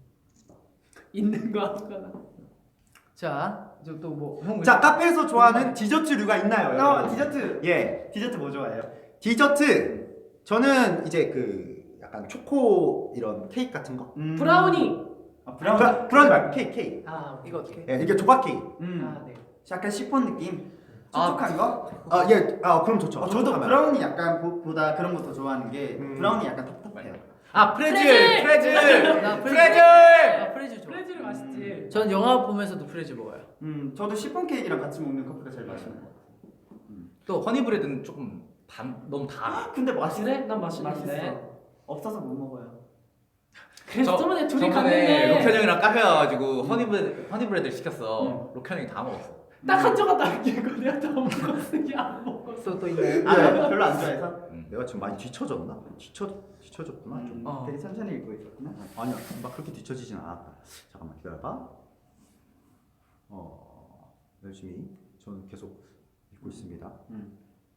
[SPEAKER 3] 있는 거 아무거나.
[SPEAKER 2] 자 이제 또뭐 형.
[SPEAKER 4] 자 카페에서 좋아하는 디저트류가 있나요?
[SPEAKER 1] 어,
[SPEAKER 4] 여러분?
[SPEAKER 1] 디저트.
[SPEAKER 4] 예,
[SPEAKER 1] 디저트 뭐 좋아해요?
[SPEAKER 4] 디저트. 저는 이제 그 약간 초코 이런 케이크 같은 거.
[SPEAKER 1] 음.
[SPEAKER 3] 브라우니.
[SPEAKER 1] 아, 브라우니.
[SPEAKER 4] 브라, 브라우니 말고 케이크, 케이크.
[SPEAKER 3] 아
[SPEAKER 2] 이거 어떻게?
[SPEAKER 4] 예, 이게 조각 케이크.
[SPEAKER 1] 음.
[SPEAKER 3] 아 네.
[SPEAKER 1] 약간 시폰 느낌.
[SPEAKER 5] 아,
[SPEAKER 1] 촉촉한 거?
[SPEAKER 4] 아, 예, 아 그럼 좋죠.
[SPEAKER 1] 어, 저도
[SPEAKER 4] 촉촉하면.
[SPEAKER 1] 브라우니 약간 보, 보다 그런 거 더 좋아하는 게
[SPEAKER 4] 음.
[SPEAKER 1] 브라우니 약간 텁텁해요.
[SPEAKER 5] 아 프레즐
[SPEAKER 3] 프레즐!
[SPEAKER 5] 프레즐
[SPEAKER 2] 나
[SPEAKER 5] 프레즐.
[SPEAKER 2] 아 프레즐 좋아.
[SPEAKER 3] 프레즐이 맛있지.
[SPEAKER 2] 전 영화 보면서도 프레즐 먹어요.
[SPEAKER 1] 음, 저도 시폰 케이크랑 같이 먹는 커피가 제일 맛있는 거.
[SPEAKER 5] 또 허니브레드는 조금 단 너무 달아.
[SPEAKER 1] 근데 맛있어.
[SPEAKER 3] 그래? 난 맛있는데.
[SPEAKER 1] 맛있어. 없어서 못 먹어요.
[SPEAKER 3] 그래서
[SPEAKER 5] 저-
[SPEAKER 3] 저번에 둘이
[SPEAKER 5] 저번에
[SPEAKER 3] 갔는데
[SPEAKER 5] 로켄 형이랑 카페 가가지고 허니브레드 허니브레드를 시켰어.
[SPEAKER 1] 음.
[SPEAKER 5] 로켄 형이 다 먹었어.
[SPEAKER 3] 딱 한 조각 남기고 내가 다 먹었으니 안 먹었어.
[SPEAKER 2] 또 또 있네.
[SPEAKER 1] 아, 너 별로 안 좋아해서?
[SPEAKER 4] 내가 지금 많이 뒤쳐졌나? 뒤쳐 뒤쳐졌구나. 좀.
[SPEAKER 1] 음,
[SPEAKER 2] 어.
[SPEAKER 1] 되게 천천히 읽고 있었구나.
[SPEAKER 4] 아니야, 막 그렇게 뒤쳐지진 않았다. 잠깐만 기다려봐. 어, 열심히 저는 계속 읽고 있습니다.
[SPEAKER 1] 음.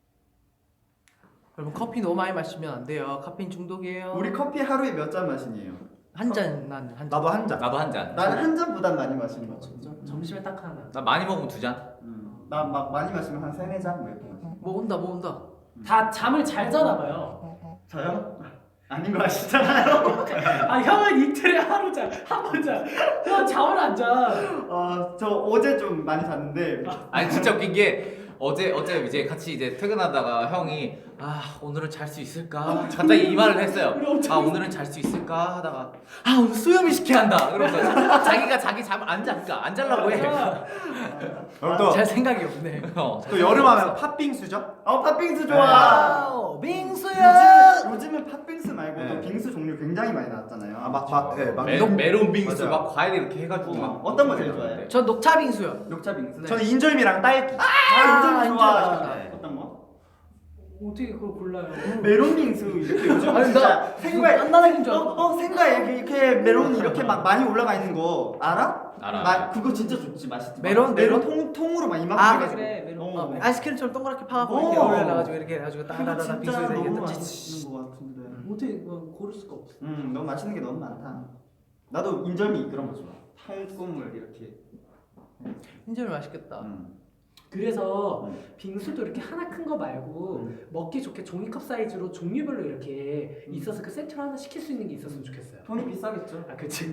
[SPEAKER 2] 여러분 커피 너무 많이 마시면 안 돼요. 카페인 중독이에요.
[SPEAKER 1] 우리 커피 하루에 몇 잔 마시니에요?
[SPEAKER 2] 한 잔 난 한 잔.
[SPEAKER 4] 나도 한 잔.
[SPEAKER 5] 나도 한 잔.
[SPEAKER 1] 나는 한 잔보단 많이 마시는 거 같아.
[SPEAKER 3] 진짜? 점심에 딱 하나.
[SPEAKER 5] 나 많이 먹으면 두 잔.
[SPEAKER 1] 음. 나막 많이 마시면 한 세네 잔 뭐 이렇게 마셔.
[SPEAKER 2] 뭐 온다 뭐 온다.
[SPEAKER 3] 다 잠을 잘 자나 봐요.
[SPEAKER 1] 저요? 아닌 거 아시잖아요.
[SPEAKER 3] 아 형은 이틀에 하루 자, 한 번 자. 형 잠을 안 자.
[SPEAKER 1] 어, 저 어제 좀 많이 잤는데
[SPEAKER 5] 아니 진짜 웃긴 게 어제 어제 이제 같이 이제 퇴근하다가 형이 아 오늘은 잘 수 있을까 갑자기 이 말을 했어요.
[SPEAKER 3] 우리 엄청
[SPEAKER 5] 아 오늘은 잘 수 있을까 하다가 아 오늘 수염이 시켜야 한다. 그러면서 자- 자기가 자기 잠 안 자니까 안 자려고 해.
[SPEAKER 4] 그럼 또,
[SPEAKER 2] 잘 생각이 없네.
[SPEAKER 5] 어,
[SPEAKER 4] 또 여름하면 팥빙수죠?
[SPEAKER 1] 어 팥빙수 좋아.
[SPEAKER 2] 와우 빙수야.
[SPEAKER 1] 요즘, 요즘은 팥빙수 말고도
[SPEAKER 4] 네.
[SPEAKER 1] 빙수 종류 굉장히 많이 나왔잖아요.
[SPEAKER 4] 아, 막, 막, 예, 막.
[SPEAKER 5] 메,
[SPEAKER 4] 이런-
[SPEAKER 5] 메론 빙수
[SPEAKER 4] 맞아요.
[SPEAKER 5] 막 과일 이렇게 해가지고
[SPEAKER 1] 어,
[SPEAKER 5] 막
[SPEAKER 1] 어떤 거 제일 좋아해요?
[SPEAKER 2] 전 녹차 빙수요.
[SPEAKER 1] 녹차 빙수.
[SPEAKER 4] 저는 인절미랑 딸기.
[SPEAKER 1] 아, 인정
[SPEAKER 2] 인정
[SPEAKER 1] 좋아.
[SPEAKER 2] 맛있다.
[SPEAKER 1] 네. 어떤 거?
[SPEAKER 3] 어떻게 그걸 골라요?
[SPEAKER 1] 메론 빙수 이렇게 요즘
[SPEAKER 2] 아니,
[SPEAKER 1] 진짜
[SPEAKER 2] 나
[SPEAKER 1] 생과에
[SPEAKER 2] 깐나나긴 줄
[SPEAKER 1] 어,
[SPEAKER 2] 알았어.
[SPEAKER 1] 어 생과에 이렇게, 이렇게 메론이 이렇게 막 많이 올라가 있는 거 알아?
[SPEAKER 5] 알아.
[SPEAKER 1] 나 그거 진짜 좋지 맛있지.
[SPEAKER 2] 메론?
[SPEAKER 1] 메론
[SPEAKER 2] 메론?
[SPEAKER 1] 통 통으로 막 이만큼
[SPEAKER 2] 아,
[SPEAKER 1] 해가지고.
[SPEAKER 3] 그래, 메론.
[SPEAKER 1] 어.
[SPEAKER 2] 어, 아이스크림처럼 동그랗게 파갖고
[SPEAKER 1] 어.
[SPEAKER 2] 이렇게 올려놔가지고 이렇게 해가지고
[SPEAKER 1] 그거
[SPEAKER 2] 따다다다
[SPEAKER 1] 진짜
[SPEAKER 2] 빙수에다
[SPEAKER 1] 너무
[SPEAKER 2] 이게
[SPEAKER 1] 맛있는 거 같은데.
[SPEAKER 3] 어떻게 그건 고를 수가 없어.
[SPEAKER 1] 음 너무 맛있는 게 너무 많다. 나도 인절미 그런 거 좋아. 통국물 이렇게.
[SPEAKER 2] 인절미 맛있겠다.
[SPEAKER 1] 음.
[SPEAKER 3] 그래서
[SPEAKER 1] 음.
[SPEAKER 3] 빙수도 이렇게 하나 큰 거 말고 먹기 좋게 종이컵 사이즈로 종류별로 이렇게
[SPEAKER 1] 음.
[SPEAKER 3] 있어서 그 세트로 하나 시킬 수 있는 게 있었으면 좋겠어요.
[SPEAKER 1] 돈이 비싸겠죠.
[SPEAKER 3] 아 그치.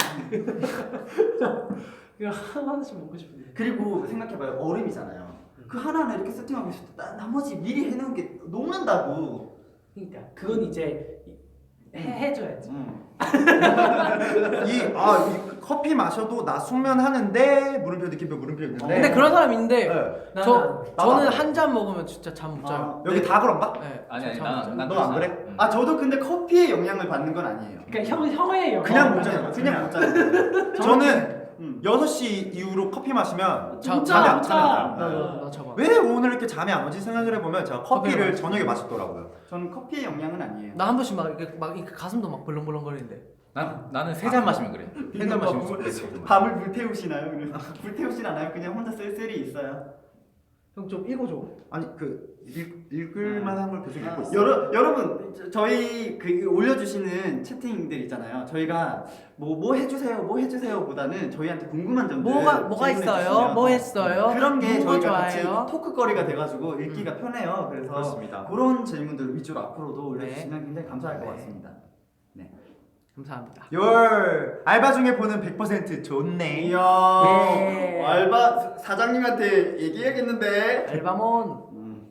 [SPEAKER 3] 이거 하나씩 먹고 싶은데.
[SPEAKER 1] 그리고 생각해봐요 얼음이잖아요. 그 하나 하나 이렇게 세팅하고 있을 때 나, 나머지 미리 해놓은 게 녹는다고.
[SPEAKER 3] 그러니까 그건 이제 해, 해줘야지.
[SPEAKER 1] 음.
[SPEAKER 4] 이, 아, 이 커피 마셔도 나 숙면하는데 물음표 느낌표 물음표 있는데.
[SPEAKER 2] 근데 그런 사람 있는데
[SPEAKER 4] 네.
[SPEAKER 3] 나-
[SPEAKER 2] 저
[SPEAKER 3] 나-
[SPEAKER 2] 저는
[SPEAKER 4] 나도
[SPEAKER 2] 한 잔 먹으면 진짜 잠 못 자요.
[SPEAKER 1] 아,
[SPEAKER 4] 여기 다 그런가?
[SPEAKER 2] 네,
[SPEAKER 5] 아니 아니
[SPEAKER 2] 잠못 자요.
[SPEAKER 5] 난난
[SPEAKER 4] 너 안 그래?
[SPEAKER 5] 응.
[SPEAKER 1] 아 저도 근데 커피의 영향을 받는 건 아니에요.
[SPEAKER 3] 그러니까 형 형의 영어.
[SPEAKER 4] 그냥
[SPEAKER 1] 어,
[SPEAKER 4] 못 자요.
[SPEAKER 1] 그냥, 그냥 못 자는 거예요.
[SPEAKER 4] 저는
[SPEAKER 1] 음.
[SPEAKER 4] 여섯 시 이후로 커피 마시면
[SPEAKER 2] 자-
[SPEAKER 3] 진짜
[SPEAKER 4] 잠이 안
[SPEAKER 3] 진짜.
[SPEAKER 4] 차요.
[SPEAKER 2] 나도 나 잡아.
[SPEAKER 4] 왜 오늘 이렇게 잠이 안 오지 생각을 해보면 제가 커피를
[SPEAKER 2] 커피를
[SPEAKER 4] 저녁에 마셨더라고요.
[SPEAKER 1] 저는 커피의 영향은 아니에요.
[SPEAKER 2] 나 한 번씩 막 이렇게 막 이렇게 가슴도 막 벌렁벌렁거리는데.
[SPEAKER 5] 난 나는 세 잔 마시면 그래. 세 잔 마시면
[SPEAKER 1] 밤을-
[SPEAKER 5] 좋겠어.
[SPEAKER 1] 밤을 불태우시나요? 그래서 불태우진 않아요. 그냥 혼자 쓸쓸히 있어요.
[SPEAKER 2] 형 좀 읽어줘.
[SPEAKER 4] 아니 그 읽, 읽을 만한 걸 계속 읽고
[SPEAKER 1] 아,
[SPEAKER 4] 있어요.
[SPEAKER 1] 여러, 여러분 저- 저희 그 올려주시는 채팅들 있잖아요. 저희가 뭐 뭐 해주세요, 뭐 해주세요 보다는 저희한테 궁금한 점들
[SPEAKER 2] 뭐가 뭐가
[SPEAKER 1] 질문해
[SPEAKER 2] 있어요?
[SPEAKER 1] 주시면
[SPEAKER 2] 뭐 했어요?
[SPEAKER 1] 그런 게
[SPEAKER 2] 뭐가
[SPEAKER 1] 저희가 같이
[SPEAKER 2] 좋아해요?
[SPEAKER 1] 토크거리가 돼가지고 읽기가 편해요. 그래서
[SPEAKER 4] 그렇습니다.
[SPEAKER 1] 그런 질문들 위주로 앞으로도
[SPEAKER 2] 네.
[SPEAKER 1] 올려주시면 굉장히 감사할 것
[SPEAKER 2] 네.
[SPEAKER 1] 같습니다.
[SPEAKER 2] 감사합니다.
[SPEAKER 4] 열 알바 중에 보는 백 퍼센트 좋네.
[SPEAKER 1] 이야
[SPEAKER 2] 예.
[SPEAKER 1] 알바 사장님한테 얘기해야겠는데.
[SPEAKER 2] 알바몬
[SPEAKER 1] 음.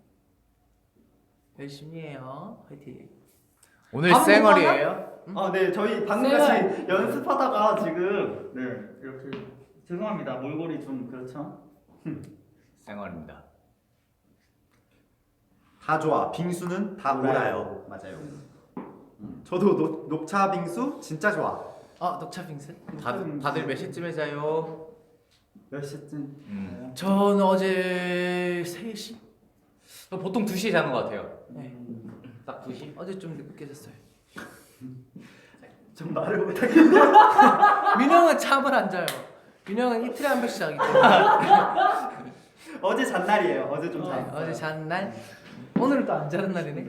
[SPEAKER 2] 열심히 해요. 화이팅.
[SPEAKER 5] 오늘
[SPEAKER 2] 밥은
[SPEAKER 5] 쌩얼이에요?
[SPEAKER 1] 아, 네, 저희 방금
[SPEAKER 3] 네.
[SPEAKER 1] 같이 연습하다가 지금 네 이렇게 죄송합니다. 몰골이 좀 그렇죠.
[SPEAKER 5] 쌩얼입니다.
[SPEAKER 4] 다 좋아. 빙수는 다 몰아요.
[SPEAKER 1] 맞아요.
[SPEAKER 4] 저도 녹, 녹차 빙수 진짜 좋아.
[SPEAKER 2] 아 녹차 빙수?
[SPEAKER 5] 다들 다들 몇 시쯤에 자요?
[SPEAKER 1] 몇 시쯤?
[SPEAKER 5] 음.
[SPEAKER 2] 전 어제 세 시?
[SPEAKER 5] 보통 두 시에 자는 것 같아요.
[SPEAKER 2] 네.
[SPEAKER 5] 딱 두 시?
[SPEAKER 2] 어제 좀 늦게 잤어요.
[SPEAKER 1] 좀 말을 못하겠.
[SPEAKER 2] 민영은 잠을 안 자요. 민영은 이틀에 한 번씩 자기 때문에.
[SPEAKER 1] 어제 잔 날이에요. 어제 좀
[SPEAKER 2] 어,
[SPEAKER 1] 잤어요.
[SPEAKER 2] 어제 잔 날. 오늘은 또 안 자는 날이네.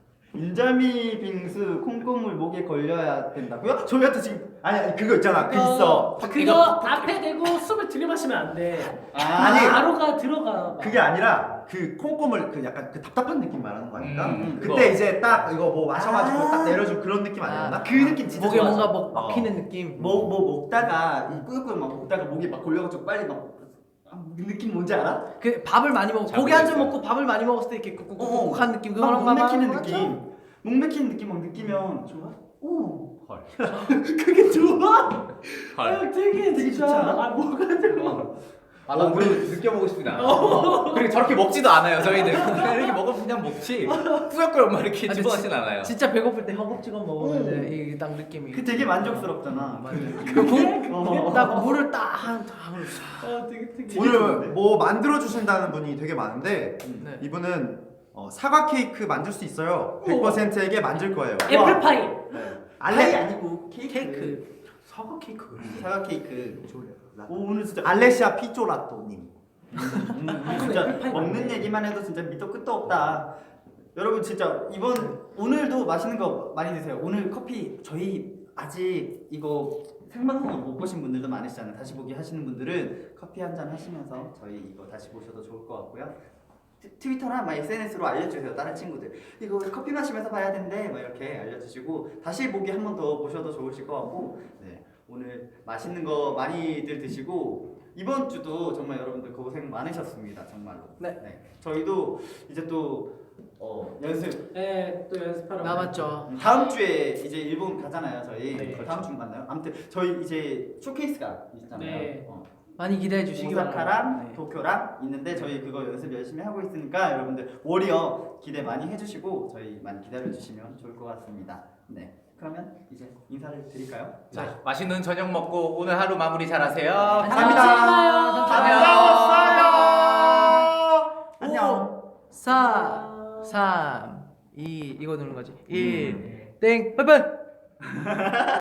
[SPEAKER 1] 인절미 빙수 콩고물 목에 걸려야 된다고요? 저희한테 지금
[SPEAKER 4] 아니, 아니 그거 있잖아. 그 있어.
[SPEAKER 3] 그거 앞에 대고 숨을 들이마시면 안 돼.
[SPEAKER 1] 아니
[SPEAKER 3] 바로가 들어가.
[SPEAKER 4] 그게 아니라 그 콩고물 그 약간 그 답답한 느낌 말하는 거 아닐까?
[SPEAKER 5] 음,
[SPEAKER 4] 그때
[SPEAKER 5] 그거.
[SPEAKER 4] 이제 딱 이거 뭐 마셔가지고
[SPEAKER 1] 아.
[SPEAKER 4] 딱 내려준 그런 느낌 아니었나?
[SPEAKER 2] 아,
[SPEAKER 1] 그 느낌 진짜
[SPEAKER 2] 목에
[SPEAKER 1] 좋아하죠.
[SPEAKER 2] 뭔가 뭐 막히는 느낌.
[SPEAKER 1] 뭐, 뭐 먹다가 이 꾸역꾸역 막 먹다가 목이 막 걸려가지고 빨리 막 아, 그 느낌 뭔지 알아?
[SPEAKER 2] 그 밥을 많이 먹
[SPEAKER 5] 잘
[SPEAKER 2] 고기 한 점
[SPEAKER 5] 모르겠어요.
[SPEAKER 2] 먹고 밥을 많이 먹었을 때 이렇게 꾹꾹꾹꾹한 느낌
[SPEAKER 1] 막
[SPEAKER 2] 그거랑
[SPEAKER 1] 목 막히는
[SPEAKER 2] 맞죠?
[SPEAKER 1] 느낌. 목 막히는 느낌 막 느끼면
[SPEAKER 3] 좋아?
[SPEAKER 1] 오
[SPEAKER 5] 헐.
[SPEAKER 1] 그게 좋아?
[SPEAKER 5] 헐.
[SPEAKER 3] 아, 되게
[SPEAKER 1] 되게
[SPEAKER 3] 진짜.
[SPEAKER 1] 좋지 않아?
[SPEAKER 3] 아 뭐가 들어?
[SPEAKER 5] 아, 나 우리 느껴보고 싶다. 그리고 저렇게 먹지도 않아요. 저희는 그냥 이렇게 먹으면 그냥 먹지. 꾸역꾸역 막 이렇게
[SPEAKER 2] 아니,
[SPEAKER 5] 집어넣진 않아요.
[SPEAKER 2] 진짜 배고플 때 허겁지겁 먹으면 이게 딱 느낌이.
[SPEAKER 1] 그 되게 만족스럽잖아.
[SPEAKER 2] 맞아.
[SPEAKER 1] 어.
[SPEAKER 2] 딱 물을 딱한
[SPEAKER 3] 아 되게 특이.
[SPEAKER 4] 오늘
[SPEAKER 1] 좋은데?
[SPEAKER 4] 뭐 만들어 주신다는 분이 되게 많은데
[SPEAKER 2] 네.
[SPEAKER 4] 이분은 어, 사과 케이크 만들 수 있어요. 백 퍼센트에게 만들 거예요.
[SPEAKER 3] 애플파이.
[SPEAKER 1] 파이
[SPEAKER 4] 알레
[SPEAKER 1] 아니고 케이크.
[SPEAKER 2] 케이크.
[SPEAKER 3] 사과 케이크.
[SPEAKER 1] 사과 케이크. 오 오늘 진짜
[SPEAKER 4] 알레시아 피조라또님.
[SPEAKER 1] 음, 음, 진짜 먹는 얘기만 해도 진짜 밑도 끝도 없다. 여러분 진짜 이번 오늘도 맛있는 거 많이 드세요. 오늘 커피 저희 아직 이거 생방송을 못 보신 분들도 많으시잖아요. 다시 보기 하시는 분들은 커피 한 잔 하시면서 저희 이거 다시 보셔도 좋을 것 같고요. 트- 트위터나 막 에스엔에스로 알려주세요. 다른 친구들 이거 커피 마시면서 봐야 된대 막 이렇게 알려주시고 다시 보기 한 번 더 보셔도 좋으실 것 같고 네, 오늘 맛있는 거 많이들 드시고 이번 주도 정말 여러분들 고생 많으셨습니다. 정말로.
[SPEAKER 2] 네.
[SPEAKER 1] 저희도 이제 또 어, 연습
[SPEAKER 3] 네, 또 연습하러.
[SPEAKER 2] 남았죠.
[SPEAKER 1] 다음 주에 이제 일본 가잖아요. 저희
[SPEAKER 3] 네.
[SPEAKER 1] 다음 주 갔나요? 아무튼 저희 이제 쇼케이스가 있잖아요.
[SPEAKER 3] 네.
[SPEAKER 1] 어.
[SPEAKER 2] 많이 기대해 주시기
[SPEAKER 1] 오사카랑
[SPEAKER 2] 바랍니다. 네.
[SPEAKER 1] 도쿄랑 있는데 저희 그거 연습 열심히 하고 있으니까 여러분들 워리어 기대 많이 해주시고 저희 많이 기다려 주시면 좋을 것 같습니다. 네. 그러면 이제 인사를 드릴까요?
[SPEAKER 5] 자, 맛있는 저녁 먹고 오늘 하루 마무리 잘하세요.
[SPEAKER 2] 감사합니다.
[SPEAKER 1] 반가웠어요. 안녕.
[SPEAKER 2] 사, 삼, 이 이거 누르는 거지. 일, 땡, 빠이빠이.